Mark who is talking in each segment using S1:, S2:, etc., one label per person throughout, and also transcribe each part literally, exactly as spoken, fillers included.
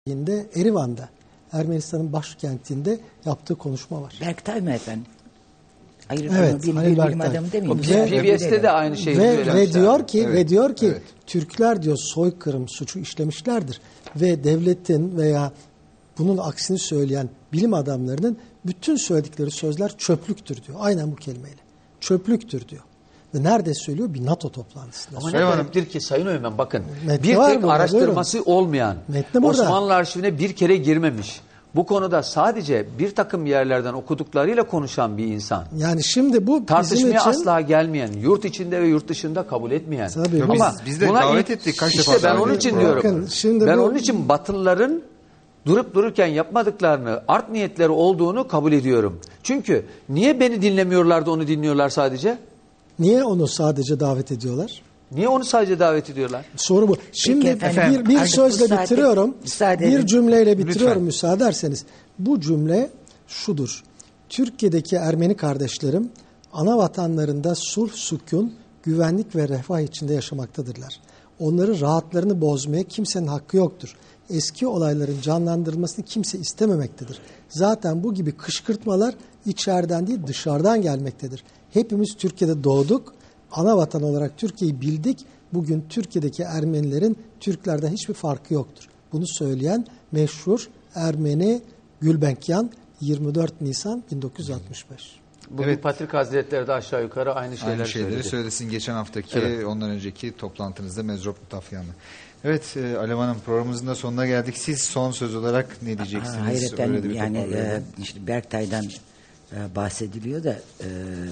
S1: Erivan'da, Ermenistan'ın başkentinde yaptığı konuşma var.
S2: Berktay mı efendim? Hayır,
S1: evet,
S2: bilim,
S1: Halil
S2: bilim adamı demiyor musun?
S3: P B S'te de aynı şeyi
S1: ve, ve diyor ki
S4: evet,
S1: ve diyor ki
S4: evet.
S1: Türkler diyor soykırım suçu işlemişlerdir ve devletin veya bunun aksini söyleyen bilim adamlarının bütün söyledikleri sözler çöplüktür diyor. Aynen bu kelimeyle. Çöplüktür diyor. Ve nerede söylüyor? Bir NATO toplantısında.
S3: Ama
S1: söylüyor.
S3: ne gariptir ki Sayın Öğmen, bakın
S1: Metni
S3: bir
S1: var
S3: tek
S1: burada,
S3: araştırması
S1: buyurun.
S3: olmayan,
S1: Metni burada.
S3: Osmanlı arşivine bir kere girmemiş, bu konuda sadece bir takım yerlerden okuduklarıyla konuşan bir insan.
S1: Yani şimdi bu
S3: Tartışmaya
S1: bizim için
S3: asla gelmeyen, yurt içinde ve yurt dışında kabul etmeyen.
S1: Tabii,
S4: Yo,
S3: Ama
S4: biz, biz de
S3: buna
S4: davet
S3: ilk-
S4: ettik kaç
S3: işte
S4: defa.
S3: ben
S4: davet
S3: onun
S4: ettik.
S3: için diyorum.
S1: Bakın, şimdi
S3: ben
S1: bu-
S3: onun için Batılıların durup dururken yapmadıklarını, art niyetleri olduğunu kabul ediyorum. Çünkü niye beni dinlemiyorlar da onu dinliyorlar sadece?
S1: niye onu sadece davet ediyorlar?
S3: Niye onu sadece davet ediyorlar?
S1: Soru bu. Şimdi
S2: efendim,
S1: bir, bir
S2: artık
S1: sözle
S2: müsaade-
S1: bitiriyorum.
S2: müsaade
S1: Bir
S2: edin.
S1: cümleyle bitiriyorum
S4: Lütfen.
S1: müsaade ederseniz. Bu cümle şudur. Türkiye'deki Ermeni kardeşlerim ana vatanlarında sulh, sükun, güvenlik ve refah içinde yaşamaktadırlar. Onların rahatlarını bozmaya kimsenin hakkı yoktur. Eski olayların canlandırılmasını kimse istememektedir. Zaten bu gibi kışkırtmalar içeriden değil dışarıdan gelmektedir. Hepimiz Türkiye'de doğduk. Ana vatan olarak Türkiye'yi bildik. Bugün Türkiye'deki Ermenilerin Türklerden hiçbir farkı yoktur. Bunu söyleyen meşhur Ermeni Gülbenkian yirmi dört Nisan bin dokuz yüz altmış beş.
S3: Bugün
S4: Evet.
S3: Patrik Hazretleri de aşağı yukarı aynı şeyler
S4: Aynı şeyleri
S3: söyledi.
S4: söylesin geçen haftaki,
S3: Evet.
S4: ondan önceki toplantınızda Mezrop Mutafyan'la. Evet, e, Alev Hanım, programımızın da sonuna geldik. Siz son söz olarak ne diyeceksiniz?
S2: Ha, hayır
S4: Öyle de
S2: efendim,
S4: bir
S2: yani
S4: toparlayalım.
S2: e, işte Berktay'dan e, bahsediliyor da e,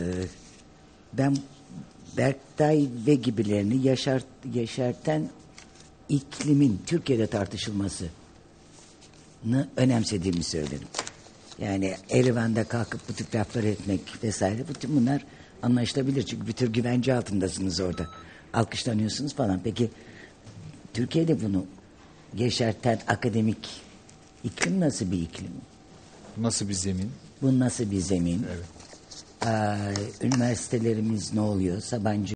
S2: ben Berktay ve gibilerini yaşart, yaşartan iklimin Türkiye'de tartışılmasını önemsediğimi söylerim. Yani Erivan'da kalkıp bu tip lafları etmek vesaire, bütün bunlar anlaşılabilir. Çünkü bir tür güvence altındasınız orada. Alkışlanıyorsunuz falan. Peki Türkiye'de bunu yeşerten akademik iklim nasıl bir iklim?
S4: Nasıl bir zemin?
S2: Bu nasıl bir zemin?
S4: Evet.
S2: Ee, üniversitelerimiz ne oluyor? Sabancı